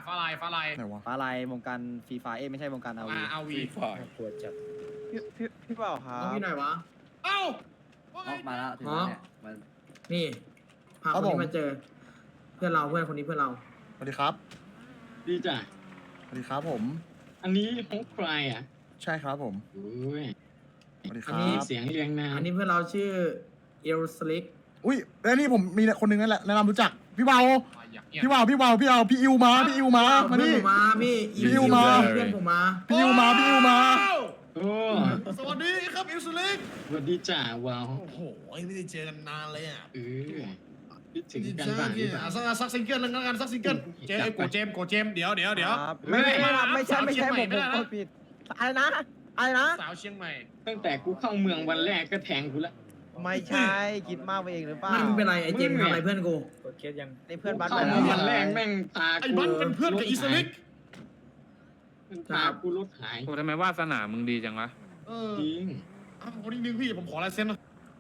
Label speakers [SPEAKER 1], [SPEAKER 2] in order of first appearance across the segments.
[SPEAKER 1] ไหนวะ
[SPEAKER 2] ฟ้าลายวงการฟรีไฟไม่ใช่วงการเอาวี
[SPEAKER 3] ปวดจัด
[SPEAKER 2] พี่เปล่าครั
[SPEAKER 4] น้อง
[SPEAKER 2] บ
[SPEAKER 4] พี่หน่อยวะ
[SPEAKER 5] มาแล้วถึงแล้วเนี่ยมัน
[SPEAKER 4] นี่พาคนนี้มาเจอ เพื่อนเราเพื่อนคนนี้เพื่อนเรา
[SPEAKER 1] สวัสดีครับ
[SPEAKER 3] ดีจ้ะ
[SPEAKER 1] สวัสดีครับผม
[SPEAKER 3] อันนี้ของใครอ่ะ
[SPEAKER 1] ใช่ครับผม
[SPEAKER 3] โอ้ย
[SPEAKER 1] สวัสดีค
[SPEAKER 4] อั
[SPEAKER 1] รั
[SPEAKER 4] นนี้
[SPEAKER 1] บ
[SPEAKER 3] เสียงเรียงนาม
[SPEAKER 4] อันนี้เพื่อนเราชื่อเอลสลิก
[SPEAKER 1] อุ้ยแล้วนี่ผมมีคนหนึงนั่นแหละแนะนำรู้จักพี่เบาพี่อิวมาพี่อิวมามา
[SPEAKER 4] เพื่อน
[SPEAKER 1] นี่
[SPEAKER 4] ผมมาพี่
[SPEAKER 1] พี่อิวมา
[SPEAKER 4] เพื่อนผมมา
[SPEAKER 1] พี่อิวมา
[SPEAKER 3] โอ้
[SPEAKER 6] สวัสดีครับอิวสุลิก
[SPEAKER 3] สวัสดีจ้าว้าว
[SPEAKER 6] โอ้โหไม่ได้เจอกันนานเลยอ่ะ
[SPEAKER 3] คิดถึง
[SPEAKER 6] ดี
[SPEAKER 3] กัน
[SPEAKER 6] ใจ
[SPEAKER 3] บ้างห
[SPEAKER 6] ที่
[SPEAKER 3] รือเปล่า
[SPEAKER 6] สักซิงเกิลนึงแล้วกันสักซิงเกิลเจมโกเจมเดี๋ยว
[SPEAKER 2] ครับไม่ใช่ผมผิดอะไรนะ
[SPEAKER 6] สาวเชียงใหม่
[SPEAKER 3] ตั้งแต่กูเข้าเมืองวันแรกก็แทงกูละ
[SPEAKER 2] ไม่ใช่คิดมากไปเองหรือเปล่า
[SPEAKER 4] ไม่เป็นไรไอ้เจมส์ทำอะไรเพื่อนกู
[SPEAKER 3] กดเคสยัง
[SPEAKER 2] ในเพื่อนบ้าน
[SPEAKER 3] เข้าเมืองวันแรกแม่งตา
[SPEAKER 6] ไอ้บันเป็นเพื่อนกับอิสลิก
[SPEAKER 3] ตากูรถหาย
[SPEAKER 7] โอ้ทำไมวาสนามึงดีจังวะ
[SPEAKER 3] จริง
[SPEAKER 6] คนนึงพี่ผมขอลายเซ็นนะ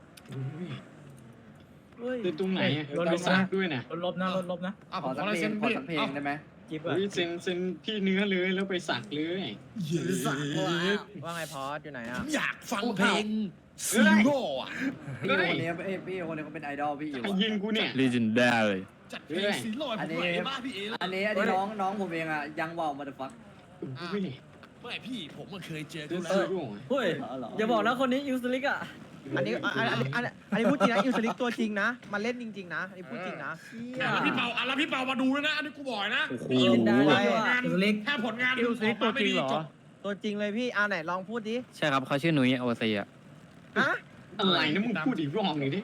[SPEAKER 3] คือตรงไหนรถซักด้วยนะ
[SPEAKER 6] ลบนะ
[SPEAKER 5] ข
[SPEAKER 6] ผ
[SPEAKER 5] อ
[SPEAKER 6] มข
[SPEAKER 5] สั
[SPEAKER 6] อกลาย
[SPEAKER 5] เพล
[SPEAKER 6] เซ็
[SPEAKER 5] ง
[SPEAKER 6] น
[SPEAKER 5] ขอ
[SPEAKER 6] พี่
[SPEAKER 5] สักเพลงได้ไหม
[SPEAKER 3] เซ็นที่เนื้อเลยแล้วไปสักเลย
[SPEAKER 6] สักแล้ว
[SPEAKER 2] ว่าไงพอสอยู่ไหนอ่ะ
[SPEAKER 6] อยากฟังเพลงซีโร่อะ
[SPEAKER 5] พี่คนนี้พี่คนนี้เขาเป็นไอดอลพี่อยู่
[SPEAKER 3] ใครยิงกูเนี่ย
[SPEAKER 7] legendary
[SPEAKER 6] จัดเพลงซีโร่ผมไหวมากพี่เอ
[SPEAKER 5] อันนี้น้องผมเองอ่ะยังว่าวมาเดฟัก
[SPEAKER 6] ไม่พี่ผมมันเคยเจอ
[SPEAKER 3] เดิ
[SPEAKER 6] กัน
[SPEAKER 3] น
[SPEAKER 6] แล้
[SPEAKER 3] ซื้อ
[SPEAKER 6] ว
[SPEAKER 3] กู
[SPEAKER 2] เฮ้ยอย่าบอกนะคนนี้อิวสลิกอ่ะอันนี้พูดจริงนะอิวสลิกตัวจริงนะมาเล่นจริงๆนะอันนี้พูดจริงนะ
[SPEAKER 6] แล้วพี่เปามาดูด้วยนะอันนี้กูบอกนะ
[SPEAKER 2] โอ้โห
[SPEAKER 6] งาน
[SPEAKER 4] เอลสลิก
[SPEAKER 6] ถ้าผลงานอิวสลิกตัวจริงเหรอ
[SPEAKER 2] ตัวจริงเลยพี่ไหนลองพูดดิ
[SPEAKER 7] ใช่ครับเขาชื่อนุ้ยโอซีอ่ะ
[SPEAKER 2] ฮะ
[SPEAKER 3] อะไรนะมึงพูดอีกรอบหนึ่งดิ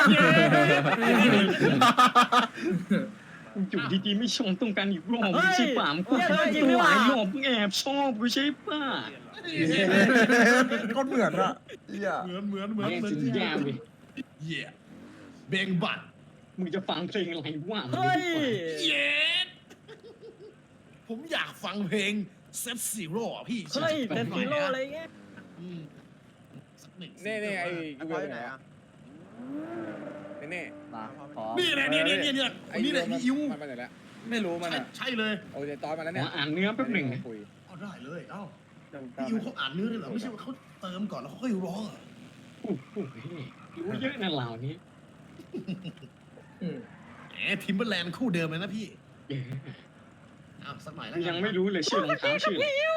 [SPEAKER 3] อยู่ดีๆไม่ชมต้องการอีกรอบไม่ใช่ป่ามกูหลายรอบแอบชอบกูใช่ป่ะ
[SPEAKER 1] ก็เหมือนอะเหี้ย
[SPEAKER 6] เหมือน
[SPEAKER 3] แม่งสุดยอดเลย
[SPEAKER 6] เย่เบงบัต
[SPEAKER 3] มึงจะฟังเพลงอะไรวะ
[SPEAKER 6] เย่ผมอยากฟังเพลงเซฟซีโร่พี่
[SPEAKER 2] เฮ้ยเป็นฮีโร่อะไรเงี้ย
[SPEAKER 6] สักหนึ่ง
[SPEAKER 8] นี่ไอ้
[SPEAKER 2] พอสอยู่ไหนอ่ะ
[SPEAKER 8] นี่
[SPEAKER 5] มาขอ
[SPEAKER 6] นี่แหละเนี่ยคนนี้แหละพี่อิว
[SPEAKER 8] มันไปไหนแล้วไม่รู้มันอ่ะ
[SPEAKER 6] ใช่เลย
[SPEAKER 8] โอ้ยตอนมาแล้ว
[SPEAKER 3] ข
[SPEAKER 8] เนี่
[SPEAKER 3] อย อ่านเนื้อแป๊บหนึ่ง
[SPEAKER 8] คุย
[SPEAKER 6] เอาได้เลยเอ้าพี่อิวเขาอ่านเนื้อเลยเหรอไม่ใช่ว่าเขาเติมก่อนแล้วเขาค่อยร้องอ่ะ
[SPEAKER 3] รู้เยอะนะเหล่านี้
[SPEAKER 6] แหมทิมเบอร์แลนด์คู่เดิมเลยนะพี่อ้าวสักหน่อยแล้ว
[SPEAKER 3] ยังไม่รู้เลยชื่อรองเท้าชื่อ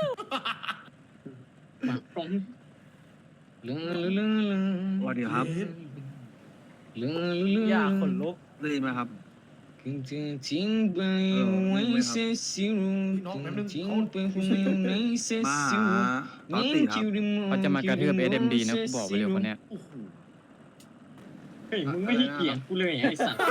[SPEAKER 3] มาพร้อมเรื่อง
[SPEAKER 2] สวัสดีครับ
[SPEAKER 3] เรื่อง
[SPEAKER 2] อยากขนลุกได้ยินไหมครับ
[SPEAKER 3] คือจะทิ้งไปไว้เสียสิรู้ทิ้งไปไว้ในเสียสิรู้
[SPEAKER 7] เขาจะมากระทืบ SMD นะกูบอกไปเลยคนเนี้ย
[SPEAKER 6] โอ้โห
[SPEAKER 3] เฮ้ยมึงไม่ให้เกียรติกูเลยไอ้สัตว์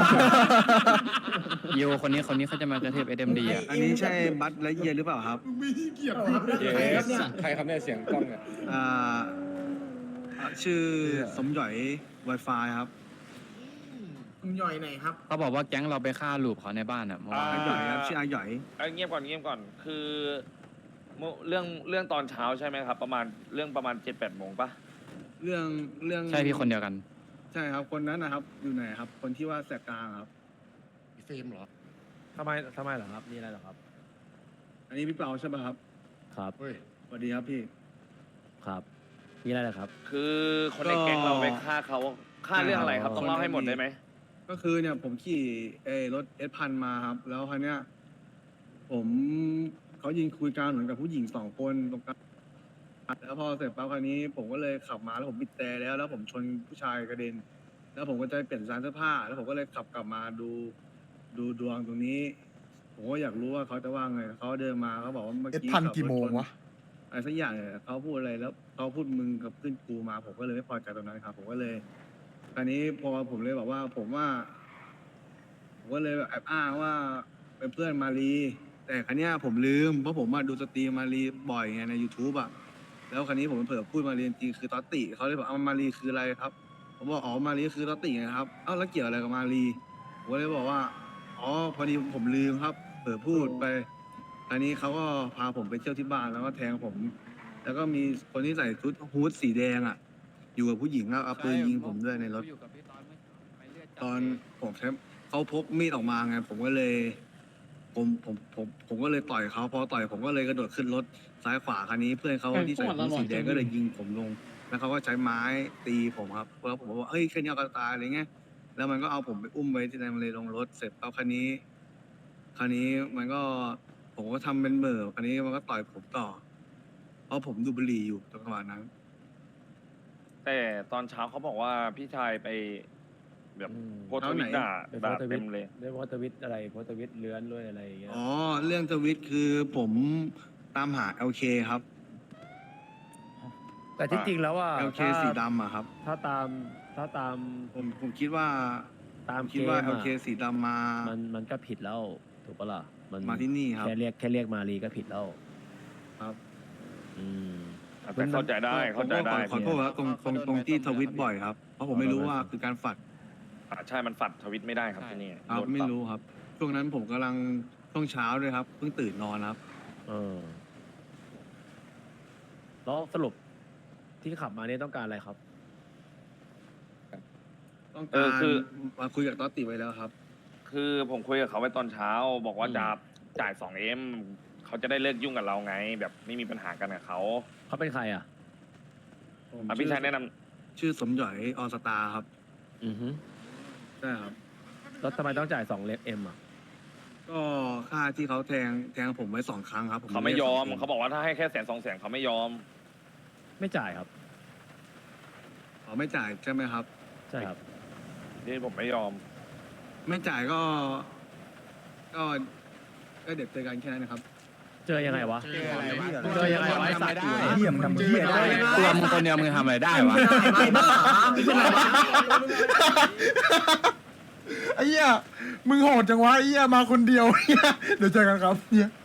[SPEAKER 7] โยคนนี้เขาจะมากระทืบ SMD อ่ะ
[SPEAKER 9] อันนี้ใช่บัตและเยียหรือเปล่าครับ
[SPEAKER 6] มึงไม่ให้เกียรติ
[SPEAKER 8] เย้ใครครับเนี่ยเสียงกล้องเนี่ย
[SPEAKER 9] อ่าชื่อสมหยอย Wi-Fi ครับ
[SPEAKER 4] คุณย่อยไหนครับ
[SPEAKER 7] เขาบอกว่าแก๊งเราไปฆ่าลูปเขาในบ้านอ่ะเมื่อวาน
[SPEAKER 9] อาหยอยครับชื่ออาหยอย
[SPEAKER 10] เงียบก่อนคือเรื่องตอนเช้าใช่ไหมครับ ประมาณ7-8 โมงปะ
[SPEAKER 9] เรื่อง
[SPEAKER 7] ใช่พี่คนเดียวกัน
[SPEAKER 9] ใช่ครับคนนั้นนะครับอยู่ไหนครับ คนที่ว่าแสกกลางครับ
[SPEAKER 6] เฟรมเหรอ
[SPEAKER 2] ทำไมเหรอครับมีอะไรเหรอครับ
[SPEAKER 9] อันนี้พี่เปาใช่ป่ะครับ
[SPEAKER 2] ครับ
[SPEAKER 6] เฮ้ย
[SPEAKER 9] สวัสดีครับพี่
[SPEAKER 2] ครับมีอะไรเหรอครับ
[SPEAKER 10] คือคนในแก๊งเราไปฆ่าเขาฆ่าเรื่องอะไรครับ ต้องเล่าให้หมดได้ไหม
[SPEAKER 9] ก็คือเนี่ยผมขี่รถS1000มาครับ แล้วคันเนี้ยผมเขายิงคุยกันเหมือนกับผู้หญิง2 คนตรงกลางแล้วพอเสร็จปั๊บคันนี้ ผมก็เลยขับมาแล้วผมบิดแต่แล้วผมชนผู้ชายกระเด็น แล้วผมก็จะเปลี่ยนร้านเสื้อผ้า แล้วผมก็เลยขับกลับมาดูดวงตรงนี้ ผมก็อยากรู้ว่าเขาจะว่าไงเขาเดินมาเขาบอกว่าเมื่อ
[SPEAKER 1] เอ็ด
[SPEAKER 9] กี้
[SPEAKER 1] พัน
[SPEAKER 9] ขับรถ
[SPEAKER 1] กี่โมง
[SPEAKER 9] ชน
[SPEAKER 1] วะ
[SPEAKER 9] อะไรสักอย่างเนี่ยเขาพูดอะไรแล้วเขาพูดมึงกับขึ้นกูมา ผมก็เลยไม่พอใจตรงนั้นครับ ผมก็เลยตอนนี้พอผมเลยบอกว่า ผมก็เลยแบบแอบอ้างว่าเป็นเพื่อนมารีแต่ครั้นี้ยผมลืมเพราะผมมาดูสตรีมมารีบ่อยไงใน YouTube อ่ะแล้วครั้นี้ผมเผลอพูดมารีจริงๆคือตอตติเขาเลยบอกเอามารีคืออะไรครับ ผมบอกอ๋อมารีคือตอตติไงครับเอ้าแล้วเกี่ยวอะไรกับมารีผมก็เลยบอกว่าอ๋อพอดีผมลืมครับเผลอพูดไปอันนี้เขาก็พาผมไปเที่ยวที่บ้านแล้วก็แทงผม แล้วก็มีคนที่ใส่ชุดฮู้ดสีแดงอ่ะ อยู่กับผู้หญิงแล้วเอาปืนยิงผมด้วยในรถ ตอนผมใช้เขาพกมีดออกมาไงผมก็เลยผมก็เลยต่อยเขาพอต่อยผมก็เลยกระโดดขึ้นรถซ้ายขวาคันนี้เพื่อนเขาที่ใส่ชุดสีแดงก็เลยยิงผมลง แล้วเขาก็ใช้ไม้ตีผมครับแล้วผมก็บอกเฮ้ยแค่นี้เอากันตายอะไรเงี้ยแล้วมันก็เอาผมไปอุ้มไว้ที่ในมันเลยลงรถเสร็จแล้วคันนี้มันก็ผมก็ทำเป็นเหม่อคันนี้มันก็ต่อยผมต่อเพราะผมดูดบุหรี่อยู่จังหวะนั้น
[SPEAKER 10] แต่ตอนเช้าเขาบอกว่าพี่ชายไปแบบโพสต์ทวิตด่าเต็มเลย
[SPEAKER 2] เรียกว่าทวิตอะไรโพสต์ทวิตเลื้อนด้วยอะไรอย่างเงี้ย
[SPEAKER 9] อ๋อเรื่องทวิตคือผมตามหา LK ครับ
[SPEAKER 2] แต่ที่จริงแล้วว่า
[SPEAKER 9] LK สีดำอะครับ
[SPEAKER 2] ถ้าตาม
[SPEAKER 9] ผมคิดว่า
[SPEAKER 2] ตาม
[SPEAKER 9] คิดว่า LK สีดำมา
[SPEAKER 2] มันก็ผิดแล้วถูกปะล่ะมัน
[SPEAKER 9] มาที่นี่ครับ
[SPEAKER 2] แค่เรียกมารีก็ผิดแล้ว
[SPEAKER 9] ครับ
[SPEAKER 2] อืม
[SPEAKER 10] แต่เข้าใจได้
[SPEAKER 9] ผมก็ขอโทษครับตรงที่ทวิตบ่อยครับ เพราะผมไม่รู้ว่าคือการฝัด
[SPEAKER 10] ใช่มันฝัดทวิตไม่ได้ครับที่นี่
[SPEAKER 9] ครับ
[SPEAKER 10] โดนป
[SPEAKER 9] ไม่
[SPEAKER 10] รับ
[SPEAKER 9] รู้ครับ ช่วงนั้นผมกำลังช่วงเช้าด้วยครับเพิ่งตื่นนอนครับ
[SPEAKER 2] แล้วสรุปที่ขับมาเนี่ยต้องการอะไรครับ
[SPEAKER 9] ต้องการมาคุยกับต๊อตติไว้แล้วครับ
[SPEAKER 10] คือผมคุยกับเขาไว้ตอนเช้า บอกว่าจะจ่าย 2M เขาจะได้เลิกยุ่งกับเราไง แบบไม่มีปัญหากันกับเขา
[SPEAKER 2] เขาเป็นใครอ่ะ
[SPEAKER 10] พี่ชายแนะนำ
[SPEAKER 9] ชื่อสมหยอยอสตาครับ
[SPEAKER 2] อือฮึ
[SPEAKER 9] ใช่ครับ
[SPEAKER 2] แล้วทำไมต้องจ่าย2 เอ็มอ่ะ
[SPEAKER 9] ก็ค่าที่เขาแทงผมไว้2 ครั้งครับ
[SPEAKER 10] เขาไม่ยอม
[SPEAKER 9] ด้
[SPEAKER 10] เขาบอกว่าถ้าให้แค่100,000-200,000เขาไม่ยอม
[SPEAKER 2] ไม่จ่ายครับ
[SPEAKER 9] เขาไม่จ่ายใช่ไหมครับ
[SPEAKER 2] ใช่ครับ
[SPEAKER 10] ที่ผมไม่ยอม
[SPEAKER 9] ไม่จ่ายก็เด็ดเจอกันแค่นั้นนะครับ
[SPEAKER 2] เจอยังไงวะ
[SPEAKER 1] เจออะไรวะ
[SPEAKER 2] เจอยังไงวะไอ้สัตว์
[SPEAKER 1] เหี้ยมทำเหี้ยได้
[SPEAKER 7] ตัวมึงคนเดียวมึงทำอะไรได้วะ
[SPEAKER 4] ไม่บ้าไม่เป็นไรวะ
[SPEAKER 1] ไอ้เหี้ยมึงโหดจังวะไอ้เหี้ยมาคนเดียวเหี้ยเดี๋ยวเจอกันครับเหี้ย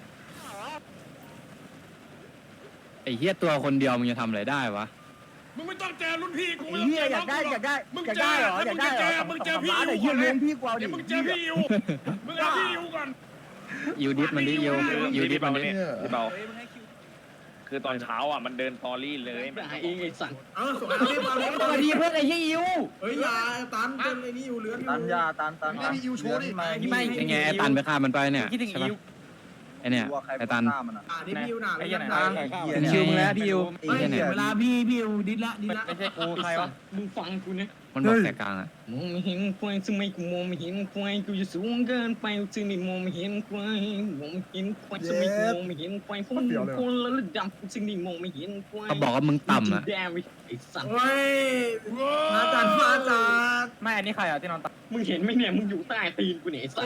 [SPEAKER 7] ไอ้เหี้ยตัวคนเดียวมึงจะทำอะไรได้วะ
[SPEAKER 6] มึงไม่ต้องเจอรุ่นพี่กู
[SPEAKER 2] ไอ้เหี้ยอยากได้มึงเจอเหรออยากได้เหรอ
[SPEAKER 6] มึงเจอพี่
[SPEAKER 2] ไอ้เหี้ยเลี้ยงพี่กว่าดิ
[SPEAKER 6] มึงเจอพี่อิวมึงเอาพี่อิวก่อน
[SPEAKER 7] ยูดิสมันดิยูดิสมันดิ
[SPEAKER 10] พี่เบาคือตอนเช้าอ่ะมันเดินตอรี่เลย
[SPEAKER 3] ด่าเองไอ้สัตว์
[SPEAKER 4] สวยเอาเล่น
[SPEAKER 2] สวัสดีเพื่อนไอ้เหี้ยอิว
[SPEAKER 4] เฮ้ยอย่าตันเป็นไอ้นี่อยู่เลื้อนอยู่
[SPEAKER 6] ตันไม่ได้พี่อิวโชว์ดิ
[SPEAKER 7] ยังไงไอ้ตันไปฆ่ามันไปเนี่ยใช่ปะไอ้เนี่ยไอ้ตัน
[SPEAKER 4] นี่พี่อิวหนาเลยนะ
[SPEAKER 7] เป็นคิวมึงแล้วพี่ยู
[SPEAKER 4] เฮ้ยเวลาพี่อิวดิดละ
[SPEAKER 3] ไม่ใช่กูใครวะมึงฟังกูเนี่ย
[SPEAKER 7] มันบอกแต่กลางอ่ะ
[SPEAKER 3] มองไม่เห็นควายทำไมกูมองไม่เห็นควายกูจะสูงเกินไปจึงไม่มองไม่เห็นควายมองไม่เห็นควายทำไมกูมองไม่เห็นควายพวกมึงคนละระดับจึงไม่มองไม่เห็นควาย
[SPEAKER 7] เขาบอกว่ามึงต่ำอ่ะ
[SPEAKER 3] แดงไอ้สัตว์
[SPEAKER 4] เฮ้ยมาจัด
[SPEAKER 2] ไม่อันนี้ใครอ่ะที่นอนตัก
[SPEAKER 3] มึงเห็นไหมเนี่ยมึงอยู่ใต้ตีนกูเนี่ยไอ้สัตว์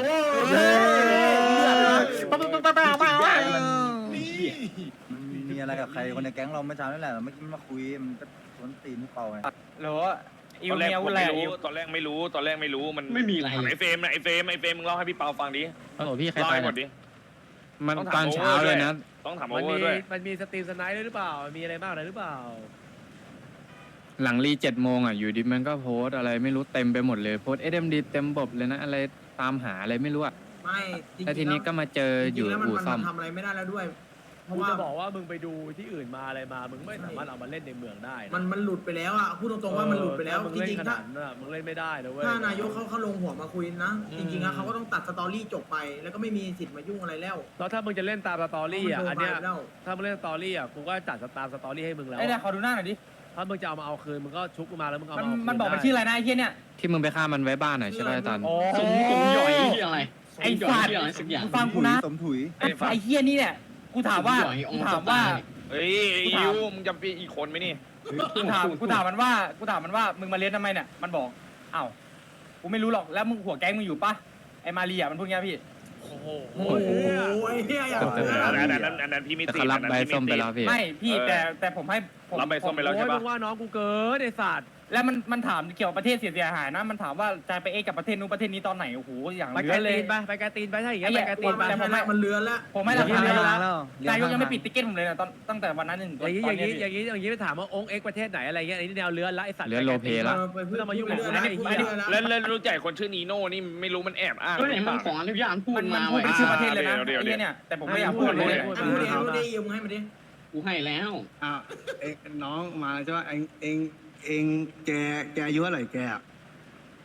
[SPEAKER 5] มีอะไรกับใครคนในแก๊งเราเมื่อเช้านี่แหละเมื่อกี้มันมาคุยมันก็สวนตีนพี่เปาไง
[SPEAKER 2] หรอ
[SPEAKER 10] ตอนแรกผมไม่รู้ตอนแรกไม่รู้มัน
[SPEAKER 3] ไม่มีอะไร
[SPEAKER 10] ไอเฟรมนะไอเฟรมมึงเล่าให้พี่เปาฟังดิ
[SPEAKER 7] โอ้โหพี่ใคร
[SPEAKER 10] เล่า
[SPEAKER 7] ตาย
[SPEAKER 10] ให้หมดดิ
[SPEAKER 7] มันตอนเช้าเลยนะ
[SPEAKER 10] ต้องถามโอเวอร์ด้วย
[SPEAKER 2] มันมีสตรีมสไนด์ด้วยหรือเปล่ามีอะไรบ้างอะไรหรือเปล่า
[SPEAKER 7] หลังรี7 โมงอ่ะอยู่ดิมันก็โพสต์อะไรไม่รู้เต็มไปหมดเลยโพสต์ SMD เต็มบบเลยนะอะไรตามหาอะไรไม่รู้อ่ะ
[SPEAKER 4] ไม่จริงๆ
[SPEAKER 7] แล้วทีนี้ก็มาเจออยู่อู่ซ่อม
[SPEAKER 4] ทำอะไรไม่ได้แล้วด้วย เพ
[SPEAKER 2] กู
[SPEAKER 4] ราะว่า
[SPEAKER 2] จะบอกว่ามึงไปดูที่อื่นมาอะไรมามึงไม่สามารถเอามาเล่นในเมืองได้นะ
[SPEAKER 4] มันหลุดไปแล้วอ่ะพูดตรงๆว่ามันหลุดไปแล้ว
[SPEAKER 2] มึง
[SPEAKER 4] จ
[SPEAKER 2] เล่น
[SPEAKER 4] ริง
[SPEAKER 2] ข
[SPEAKER 4] ๆ
[SPEAKER 2] นา
[SPEAKER 4] ถ้า
[SPEAKER 2] ดนั้นอะมึงเล่นไม่ได้นะเว้ย
[SPEAKER 4] ถ้านายกเขาลงหัวมาคุยนะ จริงๆแล้วเขาก็ต้องตัดสตอรี่จบไป แล้วก็ไม่มีสิทธิ์มายุ่งอะไรแล้ว
[SPEAKER 2] แล้วถ้ามึงจะเล่นตามสตอรี่อ่ะ
[SPEAKER 4] มั
[SPEAKER 2] อัน
[SPEAKER 4] โด
[SPEAKER 2] เนี้ย
[SPEAKER 4] ไปแล้ว
[SPEAKER 2] ถ้ามึงเล่นสตอรี่อ่ะกูก็จัดตามสตอรี่ให้มึงแล้ว
[SPEAKER 5] ไอ้เนี่ยขอดูหน้าหน่อยดิ
[SPEAKER 2] ถ้ามึงจะเอามาเอาคืนมึงก็ชุบกูมาแล้วมึงเอามาเอาคืน
[SPEAKER 5] มันบอกมันชื่ออะไรนะไอ้เหี้ยเนี่ย
[SPEAKER 7] ที่มึงไปฆ่ามันไว้บ้านหน่อยใช่ไหมไอ้ตัน
[SPEAKER 3] สมหย่อยที่อะไร
[SPEAKER 5] ไอ้สัตว์
[SPEAKER 3] ที่อะไรสักอย่าง
[SPEAKER 5] ฟังกูนะสมถุยไอ้เหี้ยนี่เนี่ยกูถามว่า
[SPEAKER 10] เฮ้ยอิวมึงจำปีอีกคนไหมนี่
[SPEAKER 5] กูถามมันว่ามึงมาเรียนทำไมเนี่ยมันบอกอ้าวกูไม่รู้หรอกแล้วมึงหัวแก๊งมึงอยู่ปะไอ้มาเรียมันพูดงี้พี่
[SPEAKER 2] โอ้โห
[SPEAKER 4] โอ้โหไอ้เหี้ยอย่าง
[SPEAKER 10] อันนั้นพี่มิ
[SPEAKER 7] แต่
[SPEAKER 10] ติ
[SPEAKER 7] เขารับใบส้มไปแล้วพี่
[SPEAKER 5] ไม่พี่แต่ผมให้ผม
[SPEAKER 10] รับใบส้มไปแล้วใช่
[SPEAKER 2] โอ้ยมึ
[SPEAKER 10] ปะ
[SPEAKER 2] งว่าน้องกูเกินไอ้สัตว์
[SPEAKER 5] แล้วมันถามเกี่ยวกับประเทศเสียหายนะมันถามว่าจะไปกับประเทศนู้นประเทศนี้ตอนไหนโอ้โหอย่าง
[SPEAKER 2] ไป
[SPEAKER 5] เย
[SPEAKER 2] ไกล
[SPEAKER 5] อะเล
[SPEAKER 2] ตี
[SPEAKER 5] ย
[SPEAKER 2] นไปไปไกลตีนไปถ้าอย่างเงี้ยไปไกลตีนไป
[SPEAKER 4] แต่มันเลือนแล้ว
[SPEAKER 5] ผมไม่ราคา
[SPEAKER 2] เรียน
[SPEAKER 5] แล้วนายกยังไม่ปิดติ๊กเก็ตผมเลยนะตั้งแต่วันนั้นถึง
[SPEAKER 2] อย่างนี้ไปถามว่าองค์เอ็กประเทศไหนอะไรเงี้ยอันนี้แนวเลื้อนละไอ้สัตว์
[SPEAKER 7] เลื้อนโลเพละ
[SPEAKER 2] ไม่ต้องมายุ่งกับกูนะไอ้เหี้ย
[SPEAKER 10] แล้วรู้จักคนชื่อนีโน่นี่ไม่รู้มันแอบอ้าง
[SPEAKER 3] ก็ไหนมันขออนุญาตพูด
[SPEAKER 5] มัน
[SPEAKER 3] มา
[SPEAKER 5] พูด
[SPEAKER 3] ไว้
[SPEAKER 5] เป็นชื่อประเทศเลยนะ
[SPEAKER 10] เดี๋ยว
[SPEAKER 5] ไอ้เนี่ยแต่ผมไม่อยากพูดเลย
[SPEAKER 4] พูดดิยิงให้มาดิ
[SPEAKER 3] กูให้แล้ว
[SPEAKER 9] เองน้องมาใช่ไหมเองแกอายุเท่าไหร่แกอะ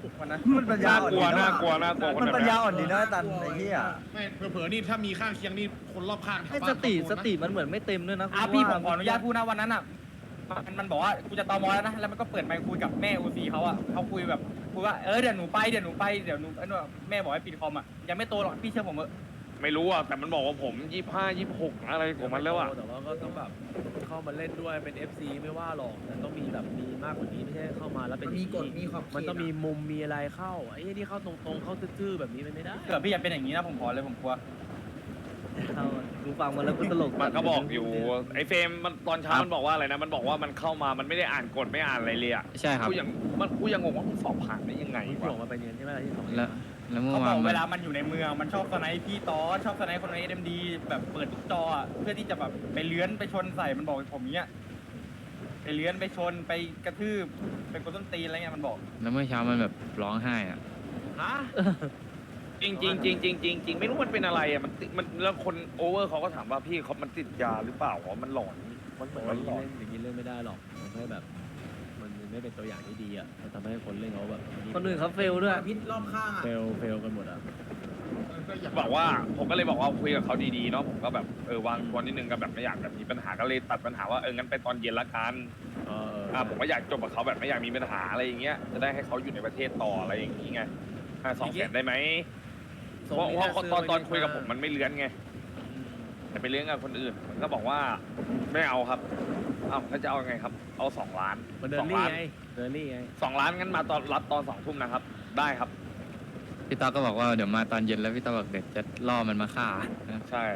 [SPEAKER 5] วันนั้น
[SPEAKER 2] มันปัญญา
[SPEAKER 10] น่า
[SPEAKER 2] อ่อน
[SPEAKER 10] กลัว
[SPEAKER 2] ดีะ
[SPEAKER 10] น่ากลัวน่ากลัวคน
[SPEAKER 2] มัน
[SPEAKER 10] แบบ
[SPEAKER 2] ปัญ
[SPEAKER 10] เนี้
[SPEAKER 2] ญาย อ่อนดีนะตันไอ้เหี้ย
[SPEAKER 6] ไม่เผลอๆนี่ถ้ามีข้างเคียงนี่คนรอบข้างแถว
[SPEAKER 2] ให้
[SPEAKER 6] บ้าน
[SPEAKER 2] สติมันเหมือนไม่เต็มด้วยนะ
[SPEAKER 5] พี่ผมขออนุญาตพูดนะวันนั้นอ่ะมันบอกว่ากูจะตอมอแล้วนะแล้วมันก็เปิดไมค์คุยกับแม่โอซีเขาอ่ะเขาคุยแบบคุยว่าเดี๋ยวหนูไปเดี๋ยวหนูแม่บอกให้ปิดคอมอ่ะยังไม่โตหรอกพี่เชื่อผมเถอะ
[SPEAKER 10] ไม่รู้อ่ะแต่มันบอกว่าผม25 26อะไรของมันแล้วอ่ะ
[SPEAKER 11] แต่ว่าก็ต้องแบบเข้ามาเล่นด้วยเป็น FC ไม่ว่าหรอกแต่ต้องมีแบบมีมากกว่านี้ไม่ใช่เข้ามาแล้วเป็นมีกฎมีขอบมันต้องมีมุมมีอะไรเข้าไอ้ที่เข้าตรงๆเข้าซื่อๆแบบนี้มันไม่ได้
[SPEAKER 5] เกิดพี่อย่าเป็นอย่างนี้นะผมขอเลยผมกลัว
[SPEAKER 2] กูฟังมันแล้วกูตลก
[SPEAKER 10] มันก็บอกอยู่ไอ้เฟรมมันตอนเช้ามันบอกว่าอะไรนะมันบอกว่ามันเข้ามามันไม่ได้อ่านกฎไม่อ่านอะไรเลยอ่ะ
[SPEAKER 7] ใช่ครับ
[SPEAKER 10] กูยังงงว่ามึงสอบผ่านได้ยังไง
[SPEAKER 11] ที่
[SPEAKER 10] วะ
[SPEAKER 11] ส่งมาไปเรียนใช่ไหมล่ะที่ส่ง
[SPEAKER 7] แล้วเมื่อ
[SPEAKER 5] เขาบ
[SPEAKER 7] วา
[SPEAKER 5] อน ก
[SPEAKER 7] มั
[SPEAKER 5] เวน ลามันอยู่ในเมืองมันชอบสไนป์พี่ตอชอบสไนป์คนในเอ็มดีแบบเปิดทุกจออะเพื่อที่จะแบบไปเลื้อนไปชนใส่มันบอกผมเนี้ยไปเลื้อนไปชนไปกระทืบไปกดต้นตีนอะไรเงี้ยมันบอก
[SPEAKER 7] แล้วเมื่อเช้ามันแบบร้องไห้อ่ะ
[SPEAKER 11] ฮะ
[SPEAKER 10] จริงไม่รู้มันเป็นอะไรอ่ะมันแล้วคนโอเวอร์เขาก็ถามว่าพี่เขามันติดยาหรือเปล่าวะมันหลอนมันเหมือนมันหลอน
[SPEAKER 11] อย่างนี้เล่นไม่ได้หรอกมันให้แบบมันไม่เป็นตัวอย่างที่ดีอ่ะมันทำให้คนเล่นเขาแบบ
[SPEAKER 2] คนอื่นเขาเฟลด้วย
[SPEAKER 4] พิษรอบข้างอ่ะ
[SPEAKER 11] เฟลกันหมดอ่ะ
[SPEAKER 10] บอกว่าผมก็เลยบอกว่าคุยกับเขาดีๆเนาะผมก็แบบวางตัวนิดนึงก็แบบไม่อยากแบบมีปัญหาก็เลยตัดปัญหาว่างั้นไปตอนเย็นละกันผมก็อยากจบกับเขาแบบไม่อยากมีปัญหาอะไรอย่างเงี้ยจะได้ให้เขาอยู่ในประเทศต่ออะไรอย่างงี้ไง200,000ได้ไหมเพราะตอนคุยกับผมมันไม่เลื้อนไงแต่ไปเลื้อนกับคนอื่นมันก็บอกว่าไม่เอาครับแล้วจะเอาไงครับเอา2 ล้าน
[SPEAKER 11] มันเดินนี่ไง
[SPEAKER 10] 2 ล้านงั้นมาตอนรับตอน2 ทุ่มนะครับได้ครับ
[SPEAKER 7] พี่ต๊อกก็บอกว่าเดี๋ยวมาตอนเย็นแล้วพี่ต๊อกบอกเดี๋ยวจะล่อมันมาฆ่า
[SPEAKER 10] ใช่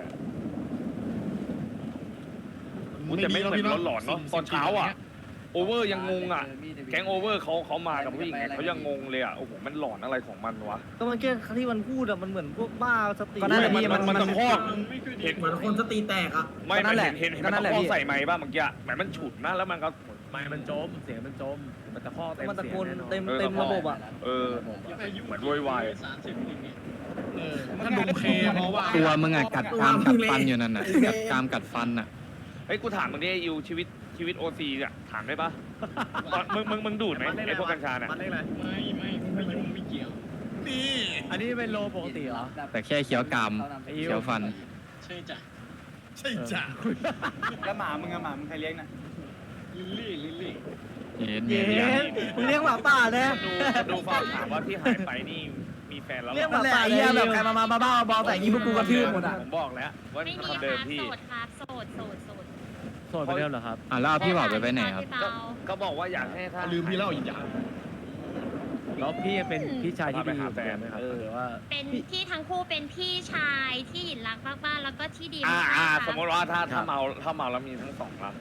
[SPEAKER 10] มันจะไม่เหมือนหลอนๆเนาะตอนเช้าอ่ะโอเวอร์ยังงงอ่ะแก๊งโอเวอร์เขามากับผู้หญิงเขายังงงเลยอ่ะโอ้โหมันหลอนอะไรของมันวะ
[SPEAKER 2] ก็มันแค่ที่มันพูดอะมันเหมือนพวกบ้าสติ
[SPEAKER 10] ก็นั่นแหละพี่มันตะคอกเห็น
[SPEAKER 4] เหมือนคนสติแตกอ่ะ
[SPEAKER 10] ไม่มันเห็นมันตะคอกใส่ไม้บ้างเมื่อกี้เหมือนมันฉุดนะแล้วมันก็
[SPEAKER 11] ไม่มันจมเสียงมันจมมันตะคอกเต็ม
[SPEAKER 2] มันตะ
[SPEAKER 11] เสีย
[SPEAKER 2] โก
[SPEAKER 11] ง
[SPEAKER 2] น
[SPEAKER 11] แน่นอน
[SPEAKER 2] เต็มระบบอะ
[SPEAKER 10] เหมือนโวยวาย
[SPEAKER 6] ถ้าดมเคเพราะว่า
[SPEAKER 7] ตัวมึงอ่ะกัดกรามกัดฟันอยู่นั่นน่ะกัดกรามกัดฟันอ่ะ
[SPEAKER 10] เฮ้ยกูถามมึงดิอิวชีวิตโอซีอ่ะถามได้ปะมึงดูดไหมไอ้พวกกัญชาเนี่ย
[SPEAKER 11] มันเรียกอะไร
[SPEAKER 6] ไม่ยุ่งไม่เกี่ยวนี่
[SPEAKER 11] อันนี้เป็นโลปกติเหรอ
[SPEAKER 7] แต่แค่เคี้ยวกรามเคี้ยวฟัน
[SPEAKER 6] ใช่จ้ะ
[SPEAKER 5] แล้วหมามึงใครเลี้ยงน่ะ
[SPEAKER 6] ลิลลี่
[SPEAKER 7] เย็น
[SPEAKER 2] เย็นมึงเลี้ยงหมาป่าแน่
[SPEAKER 10] ดูฝากถามว่าที่หายไปนี่มีแฟนแล้ว
[SPEAKER 2] เลี้ยงห
[SPEAKER 4] นั่
[SPEAKER 2] มาน
[SPEAKER 4] แหละ
[SPEAKER 2] ป่า
[SPEAKER 4] ไอ้เหี้ยแบบใครมาบ้าๆบอๆแต่อย่างนี้พวกกูกระทืบหมดอ่ะ
[SPEAKER 10] ผมบอกแล้วว่า
[SPEAKER 12] ไม่มี
[SPEAKER 10] คำเดิม
[SPEAKER 12] ครับ
[SPEAKER 10] พี่
[SPEAKER 12] โสดครับโสด
[SPEAKER 11] โสดไปเริ่มเหรอครับ
[SPEAKER 7] แล้วเอาพี่บอกไปไหนครับ
[SPEAKER 12] พี่เปา
[SPEAKER 10] ก็บอกว่าอยากให้ถ้า
[SPEAKER 6] ลืมพี่เล่าอีกอย่าง
[SPEAKER 11] แล้วพี่เป็นพี่ชายที่ดีอยู่ไหมครับหรือว่า
[SPEAKER 12] เป็นที่ทั้งคู่เป็นพี่ชายที่หยินรักมากๆแล้วก็ที่ดีมากๆ
[SPEAKER 10] สมมติว่าถ้าเมาแล้วมีทั้ง2ละ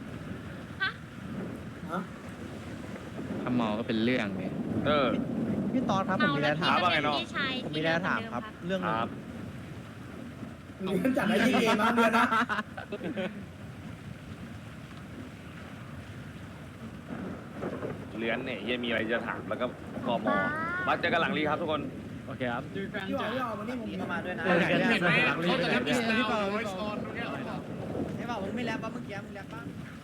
[SPEAKER 7] ถ้าเมาก็เป็นเรื่องเลย
[SPEAKER 2] พี่ตอนครับผมมีอะไรถาม
[SPEAKER 10] ว่าไงเนาะ
[SPEAKER 2] ผมมีอะไรถามครับ เรื่อง
[SPEAKER 10] ค
[SPEAKER 2] นึง
[SPEAKER 10] รับ
[SPEAKER 4] เดือนจัดได้ที่เองนะเดือนนะ
[SPEAKER 10] เลื้อนเนี่ยยังมีอะไรจะถามแล้วก็กมมาเจอกันหลังรีครับทุกคน
[SPEAKER 11] โอเคครับ
[SPEAKER 4] พี่อ๋อวันนี้ผมมาด้วยนะ
[SPEAKER 6] เห็นไหมเขาจะรับเงินที่เปล่าไว้ช้อนตรงเนี้ย
[SPEAKER 4] ไอ้บ่าวมึงไม่แลบป่ะเมื่อกี้มึงแลบป่ะ